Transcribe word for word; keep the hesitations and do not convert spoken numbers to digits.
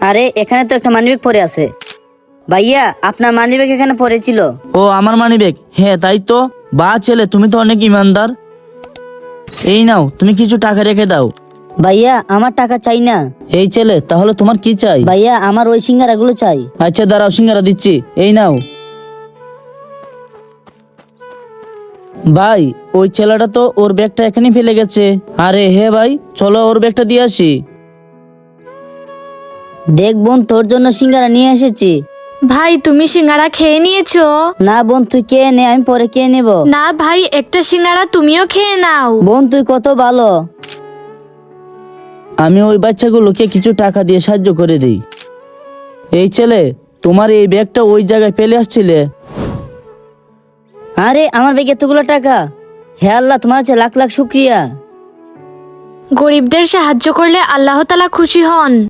আরে এখানে তো একটা মানিব্যাগ পড়ে আছে। ভাইয়া আপনার মানিব্যাগ এখানে পড়েছিল। ও আমার মানিব্যাগ? হ্যাঁ তাই তো। বা ছেলে, তুমি তো অনেক ইমানদার। এই নাও, তুমি কিছু টাকা রেখে দাও। ভাইয়া আমার টাকা চাই না। এই ছেলে, তাহলে তোমার কি চাই? ভাইয়া আমার ওই সিঙ্গারাগুলো চাই। আচ্ছা দাঁড়াও, সিঙ্গারা দিচ্ছি, এই নাও। ভাই, ওই ছেলেটা তো ওর ব্যাগটা এখানেই ফেলে গেছে। আরে হে ভাই, চলো ওর ব্যাগটা দিয়ে আসি। দেখ বোন, তোর জন্য সিঙ্গারা নিয়ে এসেছি। ভাই তুমি সিঙ্গারা খেয়ে নিয়েছো? না বোন, তুই কে নে, আমি পরে কে নেব। না ভাই, একটা সিঙ্গারা তুমিও খেয়ে নাও। বোন তুই কত ভালো। আমি ওই বাচ্চাগুলোকে কিছু টাকা দিয়ে সাহায্য করে দিই। এই ছেলে, তোমার এই ব্যাগটা ওই জায়গায় ফেলে আসছিলে। আরে আমার ব্যাগে এতগুলো টাকা। হে আল্লাহ, তোমার কাছে লাখ লাখ শুক্রিয়া। গরিবদের সাহায্য করলে আল্লাহ তাআলা খুশি হন।